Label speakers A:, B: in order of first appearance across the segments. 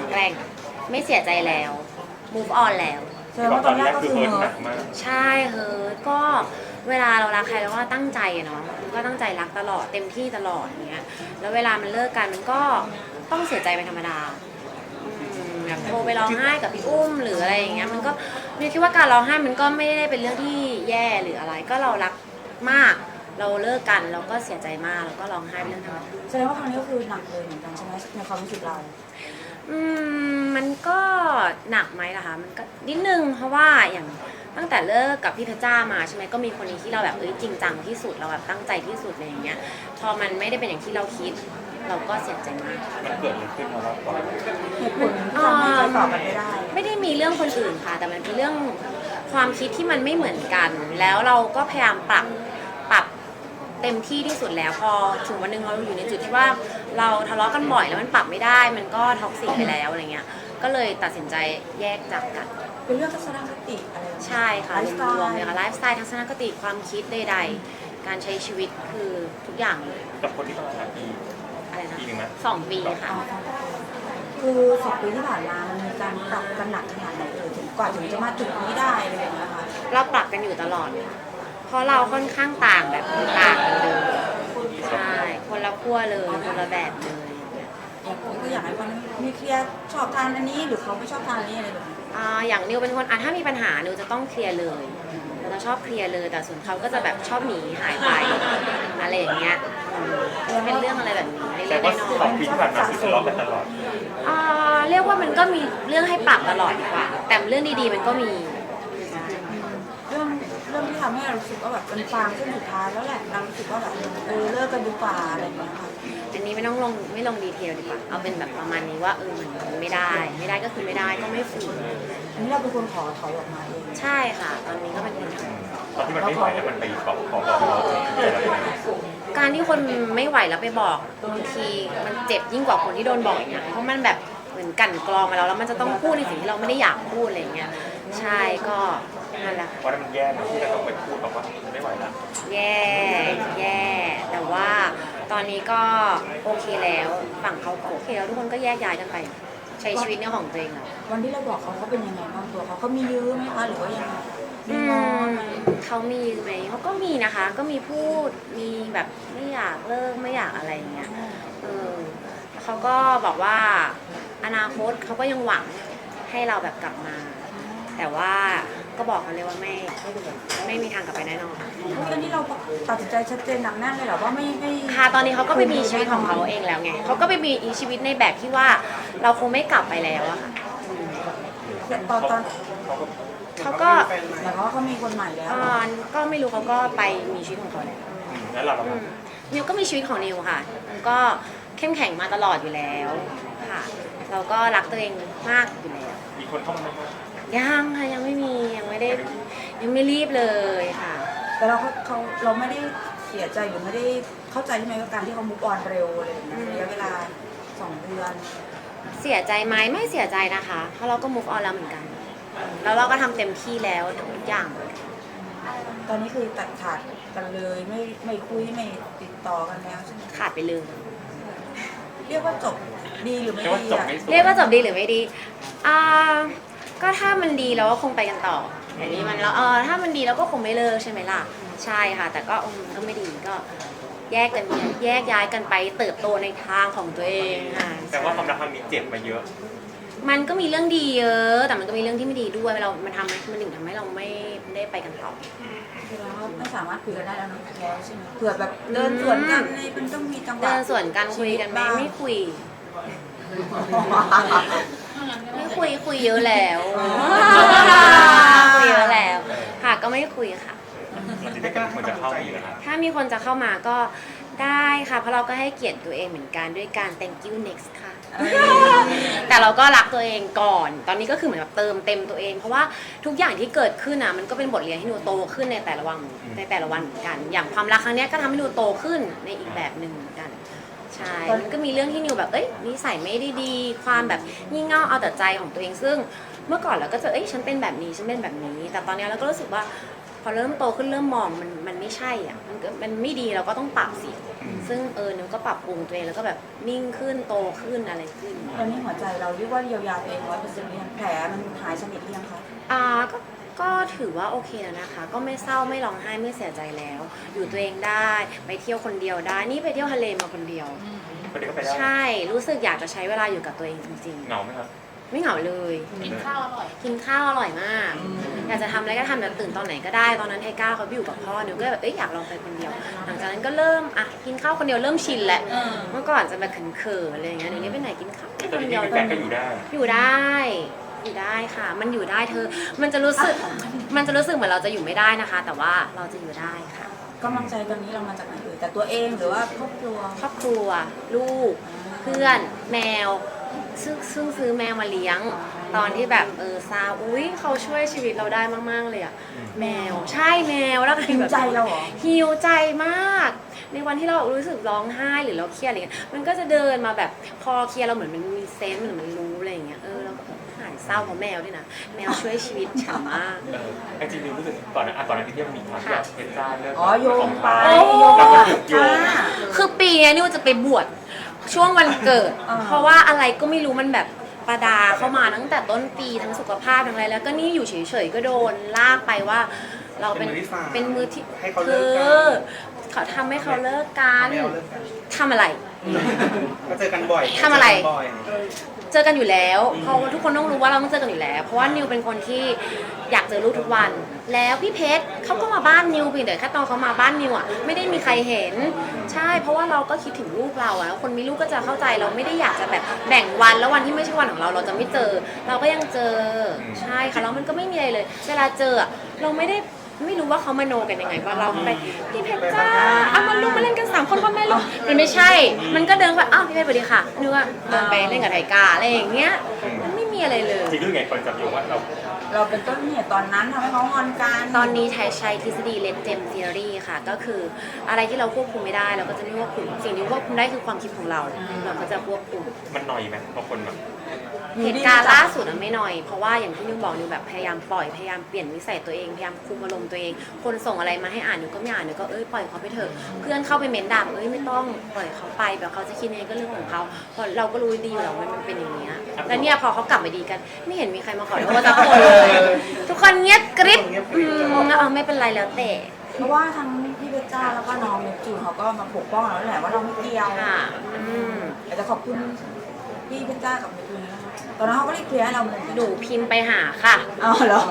A: แกร่งไม่เสียใจแล้ว move on แล้ว
B: แสดงว่าตอนแรกก็คือเฮิร์ต
A: ใช่เฮ้ยก็เวลาเรารักใครเราก็ตั้งใจเนาะก็ตั้งใจรักตลอดเต็มที่ตลอดอย่างเงี้ยแล้วเวลามันเลิกกันมันก็ต้องเสียใจเป็นธรรมดาแบบโทรไปร้องไห้กับพี่อุ้มหรืออะไรอย่างเงี้ยมันก็นิวคิดว่าการร้องไห้มันก็ไม่ได้เป็นเรื่องที่แย่หรืออะไรก็เรารักมากเราเลิกกันเราก็เสียใจมากแล้วก็ร้องไห้เป็นเรื่องธรรมดา
B: แสดงว่าครั้งนี้ก็คือหนักเลยเหมือนกันใช่ไหมในความรู้สึกเรา
A: มันก็หนักไหมล่ะคะมันก็นิดนึงเพราะว่าอย่างตั้งแต่เลิกกับพี่เพชรจ้ามาใช่ไหมก็มีคนนี้ที่เราแบบจริงจังที่สุดเราแบบตั้งใจที่สุดอะไรอย่างเงี้ยพอมันไม่ได้เป็นอย่างที่เราคิดเราก็เสียใจมาก
C: มันเกิดอะไรขึ้นมาบ้างก่อน
B: เหตุผลที่ทำให้ไปต่อกันไม่ได้
A: ไม่ได้มีเรื่องคนอื่นค่ะแต่มันเป็นเรื่องความคิดที่มันไม่เหมือนกันแล้วเราก็พยายามปรับเต็มที่ที่สุดแล้วพอถึงวันหนึ่งเราอยู่ในจุดที่ว่าเราทะเลาะกันบ่อยแล้วมันปรับไม่ได้มันก็ท็อกซิกไปแล้วอะไรเงี้ยก็เลยตัดสินใจแยกจากกัน
B: เป็นเรื่องทัศนคติอะไร
A: ใช่ค่ะรวมๆเลยค่ะไลฟ์สไตล์ทัศนคติความคิดใดๆการใช้ชีวิตคือทุกอย่างเลย
C: กับคนที่ต้องหาปี
A: อะไรนะ
C: ปีหนึ่งนะ
A: 2 ปีค่ะ
B: คือ2 ปีที่ผ่านมามันมีการปรับกันหนักขนาดไหนถึงกว่าถึงจะมาจุดนี้ได้อะไรอย่างเงี้ยค่ะ
A: เราปรับกันอยู่ตลอดเพราะเราค่อนข้างต่างแบบต่างกันเลยใช่คนละขั้วเลยคนละแบบเลย
B: ก็อยากให้คนมีเคลียร์ชอบทานอันนี้หรือเขาไม่ชอบทานอันนี้อะไรแบบนี้
A: อย่างนิวเป็นคนถ้ามีปัญหานิวจะต้องเคลียร์เลยเราจะชอบเคลียร์เลยแต่ส่วนเขาก็จะแบบชอบหนีหายไปอะไรอย่างเงี้ยเป็นเรื่องอะไรแบบนี้เล็กๆน้อย
C: 2 ปีที่ผ่านมาคือทะเลาะกันตลอด
A: เรียกว่ามันก็มีเรื่องให้ปรับตลอดดีกว่าแต่เรื่องดีๆมันก็มี
B: เรื่องที่ทำให้เรารู้สึกว่าแบบเป็นฟางเส้นสุดท้ายแล้วแหละเรารู้สึกว่าแบบเลิกกันดีกว่าอะไรอย่างเงี้ยค่ะ
A: อันนี้ไม่ลงดีเทลดีกว่าเอาเป็นแบบประมาณนี้ว่ามันไม่ได้ก็คือไม่ได้ก็ไม่ฝืน
B: อันนี้เราเป็นคนขอถอยออกมาเอง
A: ใช่ค่ะตอนนี้ก็เป็นคนท
C: ำตอนที่มันไม่ไหวแล้วมันไปบอกเรา
A: การที่คนไม่ไหวแล้วไปบอกบางทีมันเจ็บยิ่งกว่าคนที่โดนบอกอีกนะเพราะมันแบบเหมือนกั่นกรองมาแล้วมันจะต้องพูดในสิ่งที่เราไม่ได้อยากพูดอะไรอย่างเงี้ยใช่ก็นั่นแหละ
C: เพราะนั้นมันแย่นะที่จะต้องไปพูดบอกว่าไม่ไหวแล้ว
A: แย่แต่ว่าตอนนี้ก็โอเคแล้วฝั่งเขาก็โอเคแล้วทุกคนก็แยกย้ายกันไปใช้ชีวิตเนี่ยของตัวเองแล้ว
B: วันที่เราบอกเขาเป็นยังไงบ้างตัวเขามียื้อไหมคะหรือว่ายังไง
A: เขามีไหมเขาก็มีนะคะก็มีพูดมีแบบไม่อยากเลิกไม่อยากอะไรอย่างเงี้ยเขาก็บอกว่าอนาคตเขาก็ยังหวังให้เราแบบกลับมาแต่ว่าก็บอกเขาเลยว่าไม่มีทางกลับไปแน่นอน
B: อันนี้เราตัดสินใจชัดเจนหนักแน่นเลยเหรอว่าไม่
A: ค่ะตอนนี้เขาก็ไปมีชีวิตของเขาเองแล้วไงเขาก็ไปมีชีวิตในแบบที่ว่าเราคงไม่กลับไปแล้วอะค่ะ
B: ตอน
A: เขาก็
B: หมายความว่าเขามีคนใหม่แล้ว
A: ก็ไม่รู้เขาก็ไปมีชีวิตของเขา
C: แล้วเรา
A: นิวก็มีชีวิตของนิวค่ะมันก็เข้มแข็งมาตลอดอยู่แล้วค่ะเราก็รักตัวเองมากอยู่แล้ว
C: มีคนเข้ามาไหม
A: ยังค่ะยังไม่มียังไม่รีบเลยค่ะ
B: แต่เราไม่ได้เสียใจหรือไม่ได้เข้าใจใช่ไหมว่าการที่เขามุกออนเร็วอะไรอย่างเงี้ยระยะเวลา2 เดือน
A: เสียใจไหมไม่เสียใจนะคะเพราะเราก็ move on แล้วเหมือนกันแล้วเราก็ทำเต็มที่แล้วทุกอย่าง
B: ตอนนี้คือตัดขาดกันเลยไม่คุยไม่ติดต่อกันแล้วใช่ไหม
A: ขาดไปเลย
B: เรียกว่าจบดีหรือไม่ดี
A: เรียกว่าจบดีหรือไม่ดีก็ถ้ามันดีเราก็คงไปกันต่ออย่างนี้มันแล้วถ้ามันดีเราก็คงไม่เลิกใช่ไหมล่ะใช่ค่ะแต่ก็ก็ไม่ดีก็แยกย้ายกันไปเติบโตในทางของตัวเองค่ะ
C: แต่ว่าความรักครั้งนี้เจ็บมาเยอะ
A: มันก็มีเรื่องดีเยอะแต่มันก็มีเรื่องที่ไม่ดีด้วยมันถึงทำให้เราไม่ได้ไปกันต่อ
B: คือเราไม่สามารถคุยกันได้แล้วใช่ไหมเผื่อแบบเดินสวนกันมันต้องมีจังหวะ
A: เดินสวนกันคุยกันไม่คุยคุยเยอะแล้วคุยเยอะแล้วค่ะก็ไม่คุยค่ะถ้ามีคนจะเข้ามาก็ได้ค่ะเพราะเราก็ให้เกียรติตัวเองเหมือนกันด้วยการ thank you next ค่ะแต่เราก็รักตัวเองก่อนตอนนี้ก็คือเหมือนแบบเติมเต็มตัวเองเพราะว่าทุกอย่างที่เกิดขึ้นนะมันก็เป็นบทเรียนให้หนูโตขึ้นในแต่ละวันเหมือนกันอย่างความรักครั้งนี้ก็ทำให้หนูโตขึ้นในอีกแบบหนึ่งเหมือนกันใช่มันก็มีเรื่องที่นิวแบบนิสัยไม่ได้ดีความแบบงี่เง่าเอาแต่ใจของตัวเองซึ่งเมื่อก่อนเราก็จะฉันเป็นแบบนี้ฉันเป็นแบบนี้แต่ตอนนี้เราก็รู้สึกว่าพอเริ่มโตขึ้นเริ่มมองมันไม่ใช่อ่ะมันไม่ดีเราก็ต้องปรับสิซึ่งนิวก็ปรับปรุงตัวเองแล้วก็แบบนิ่งขึ้นโตขึ้นอะไรขึ้น
B: ตอนนี้หัวใจเราเรียกว่าเยียวยาตัวเอง100%หรือยังแผลมันหายสนิทหรือยังคะ
A: ก็ถือว่าโอเคแล้วนะคะ ก็ไม่เศร้าไม่ร้องไห้ไม่เสียใจแล้ว อยู่ตัวเองได้ไปเที่ยวคนเดียวได้นี่ไปเที่ยวทะเลมาคนเดียว
C: คนเดียวก็ไปได้
A: ใช่รู้สึกอยากจะใช้เวลาอยู่กับตัวเองจริง
C: เหงาไหมครับ
A: ๆ ไม่เหงาเลย
D: กินข้าวอร่อย
A: กินข้าวอร่อยมาก อยากจะทำอะไรก็ทำแบบตื่นตอนไหนก็ได้ตอนนั้นไทก้าเขาไปอยู่กับพ่อนิวก็แบบอยากลองไปคนเดียว หลังจากนั้นก็เริ่มกินข้าวคนเดียวเริ่มชินแหละเมื่อก่อนจะแบบเขินๆอะไรอย่างเงี้ยเดี๋ยวนี้ไปไหนกินข้าว
C: ต
A: ค
C: อน
A: น
C: นี้
A: เดียว
C: มีแฟนก็อยู่ได้
A: อยู่ได้ค่ะ มันอยู่ได้เธอ มันจะรู้สึกเหมือนเราจะอยู่ไม่ได้นะคะ แต่ว่าเราจะอยู่ได้ค่ะ
B: กำลังใจตอนนี้เรามาจากไหนแต่ตัวเองหรือว่าครอบครัว
A: ครอบครัว ลูก เพื่อน แมว ซึ่งซื้อแมวมาเลี้ยง ตอนที่แบบซาอุ้ยเขาช่วยชีวิตเราได้มากๆเลยอะแมวใช่แมวแล้วก็
B: หิวใจเราเหรอ
A: หิวใจมาก ในวันที่เรารู้สึกร้องไห้หรือเราเครียดอะไรเงี้ยมันก็จะเดินมาแบบพอเครียดเราเหมือนมันมีเซนส์เหมือนมันรู้อะไรอย่างเงี้ยเราก็หายเศร้าเพราะแมวด้วยนะแมวช่วยชีวิตฉันมาก
C: จริงๆรู้สึกก่อนนั้นที่มีความอยากเป็นจ้าเรื่อง
B: อ๋อโยงไป
A: โอ้
B: โยงไป
C: โยง
A: คือปีนี้นิวจะไปบวชช่วงวันเกิด เพราะว่าอะไรก็ไม่รู้มันแบบประดาเข้ามาตั้งแต่ต้นปีทั้งสุขภาพทั้งอะไรแล้วก็นี่อยู่เฉยๆก็โดนลากไปว่า เราเป็นมือที่
E: ให้เขา
A: เธ
E: เลิกกั
A: อน เขาทำให้เขาเลิกกันทำอะไร
E: ก็เจอกันบ่อย
A: ทำอะไร
E: เจกันบ่อย
A: เจอกันอยู่แล้วเพราะว่าทุกคนต้องรู้ว่าเราต้องเจอกันอยู่แล้ว เพราะว่านิวเป็นคนที่อยากเจอลูกทุกวัน แล้วพี่เพชรเขาก็มาบ้านนิวเพียงแต่แค่ตอนเขามาบ้านนิวอ่ะไม่ได้มีใครเห็นใช่เพราะว่าเราก็คิดถึงลูกเราอ่ะคนมีลูกก็จะเข้าใจเราไม่ได้อยากจะแบบแบ่งวันแล้ววันที่ไม่ใช่วันของเราเราจะไม่เจอ เราก็ยังเจอใช่ค่ะแล้วมันก็ไม่มีอะไรเลย เวลาเจออะเราไม่รู้ว่าเขามโนกันยังไงว่าเราไปพี่เพชรจ้าเอามาลูกมาเล่นกัน3 คนพ่อแม่ลูกมันไม่ใช่ มันก็เดินไปอ้าวพี่เพชรสวัสดีค่ะนึกว่าเดินไปเล่นกับไทกาอะไรอย่างเงี้ยมันไม่มีอะไรเลย
C: จริงๆไงคนจับโยงว่าเรา
B: เราเป็นต้นเหตุตอนนั้นทำให้เขางอนกัน
A: ตอนนี้ไทยใช้ทฤษฎีเลดเจมทีอรี่ค่ะก็คืออะไรที่เราควบคุมไม่ได้เราก็จะไม่ควบคุมสิ่งที่ควบคุมได้คือความคิดของเราเราก็จะควบคุม
C: มันหน่อยไหมบางคนแบบ
A: เหตุการณ์ล่าสุดไม่น้อยเพราะว่าอย่างที่นิวบอกนิวแบบพยายามปล่อยพยายามเปลี่ยนนิสัยตัวเองพยายามคุมอารมณ์ตัวเองคนส่งอะไรมาให้อ่านนิวก็ไม่อ่านนิวก็ปล่อยเขาไปเถอะเพื่อนเข้าไปเม้นด่าไม่ต้องปล่อยเขาไปแบบเขาจะคิดยังไงก็เรื่องของเขาเพราะเราก็รู้ดีอยู่แล้วว่ามันเป็นอย่างนี้แล้วเนี่ยพอเขากลับมาดีกันไม่เห็นมีใครมาขอโทษสักคนเลยทุกคนเงียบกริบไม่เป็นไรแล้วแต่
B: เพราะว่าทั้งพี่เพชรจ้าแล้วก็น้องเนปจูนเขาก็มาปกป้องเราแหละว่าเราไม่เกี่ยว
A: ค่ะ
B: แต่จะขอบคุณพี่เพชรจ้ากับเนปจูนนะคะตอนนั้นเขาก็ได้เคลียร์ให้เราเหมือนกัน
A: หนูพิมพ์ไปหาค่ะ
B: อ๋อเหรอ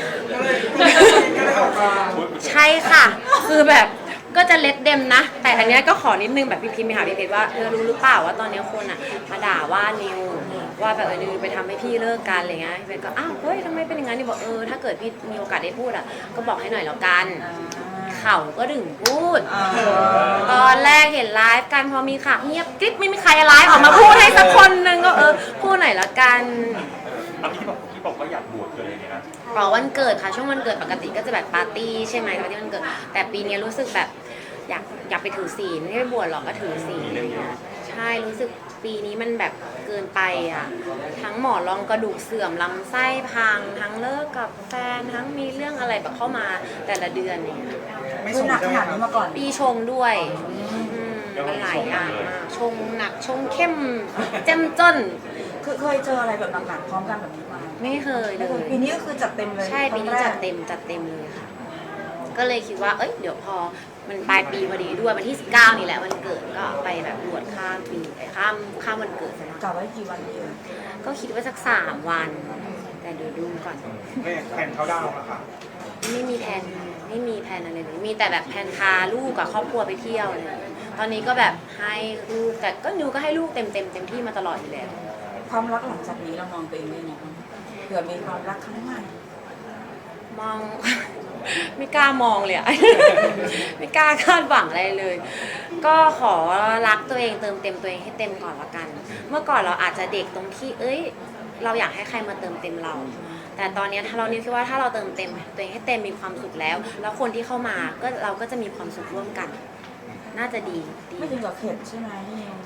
A: ใช่ค่ะ คือแบบก็จะเล็ดเดมนะ แต่อันเนี้ยก็ขอนิดนึงแบบพี่พิมพ์ไปหาพี่เพชรว่ารู้หรือเปล่าว่าตอนเนี้ยคนอ่ะมาด่าว่านิวว่าแบบนิวไปทำให้พี่เลิกกันอะไรเงี้ยพี่เพชรก็อ้าวเฮ้ยทำไมเป็นอย่างนั้นนิวบอกถ้าเกิดพี่มีโอกาสได้พูดอ่ะก็บอกให้หน่อยแล้วกันเขาก็ถึงพูด ตอนแรกเห็นไลฟ์กันพอมีข่าวเงียบกริบไม่มีใครไลฟ์ออกมาพูดให้สักคนนึงก็พูดหน่อยแล้วกัน
C: อันนี้ที่บอกว่าอยากบวชเลยเนี่ยนะ
A: รอวันเกิดค่ะช่วงวันเกิดปกติก็จะแบบปาร์ตี้ใช่ไหมปาร์ตี้วันเกิดแต่ปีนี้รู้สึกแบบอยากไปถือศีลไม่ได้บวชหรอกก็ถือศีลใช่รู้สึกปีนี้มันแบบเกินไปอ่ะทั้งหมอนรองกระดูกเสื่อมลำไส้พังทั้งเลิกกับแฟนทั้งมีเรื่องอะไรแบบเข้ามาแต่ละเดือนเนี่ย
E: ไม่
B: คือ
E: ส่ง
B: หนัก
E: ใช่
B: ข
E: ไหม
B: นาดนี้มาก่อน
A: ปีชงด้วยมันหลายอย่างมากชงหนักชงเข้มเจ้มจน
B: คือเคยเจออะไรแบบหนักๆพร้อมกันแบบนี้มา
A: ไม่เคยเล
B: ไม่เคย
A: ย
B: ปีนี้ก็คือจัดเต็มเลย
A: ใช่ปีนี้
B: ครั้งแร
A: จั
B: ก
A: ดเต็มเลยค่ะ ก็เลยคิดว่าเดี๋ยวพอมันปลายปีพอดีด้วยวันที่19นี่แหละวันเกิดก็ไปแบบบวชข้ามปีข้ามวันเกิดซะหน่อย
B: กะไว้กี่วันดี
A: ก็คิดว่าสัก3 วัน แต่เดี๋ยวดูก่อน
E: ไม่แผนเขาดาวน์อะค่ะ
A: ไม่มีแผนอะไรเลยมีแต่แบบแผนพาลูกกับครอบครัวไปเที่ยวเลยตอนนี้ก็แบบให้ลูกแต่ก็นิวก็ให้ลูกเต็มที่มาตลอดอยู่แล้ว
B: ความรักหลังจากนี้เรามองตัวเองได้ไงบ้างเผื่อมีความรักครั้งใหม่
A: มอง ไม่กล้ามองเลยอะ ไม่กล้าคาดหวังอะไรเลย ก็ขอรักตัวเองเติมเต็มตัวเองให้เต็มก่อนละกัน เมื่อก่อนเราอาจจะเด็กตรงที่เราอยากให้ใครมาเติมเต็มเรา แต่ตอนนี้ถ้าเราคิดว่าถ้าเราเติมเต็มตัวเองให้เต็มมีความสุขแล้ว แล้วคนที่เข้ามาก็เราก็จะมีความสุขร่วมกัน น่าจะดี
B: ไม่ถึงกับเข็ดใช่ไหม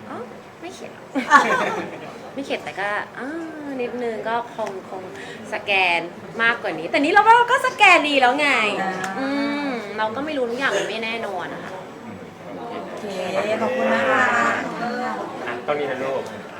A: อ๋อไม่เข็ดหรอก ไม่เข็ดแต่ก็นิดนึงก็คงสแกนมากกว่านี้ แต่นี้เราก็สแกนดีแล้วไงเราก็ไม่รู้ทุกอย่างมันไม่แน่นอนนะคะ
B: โอเค ขอบคุณนะคะ
C: ต้องนี้นะลูก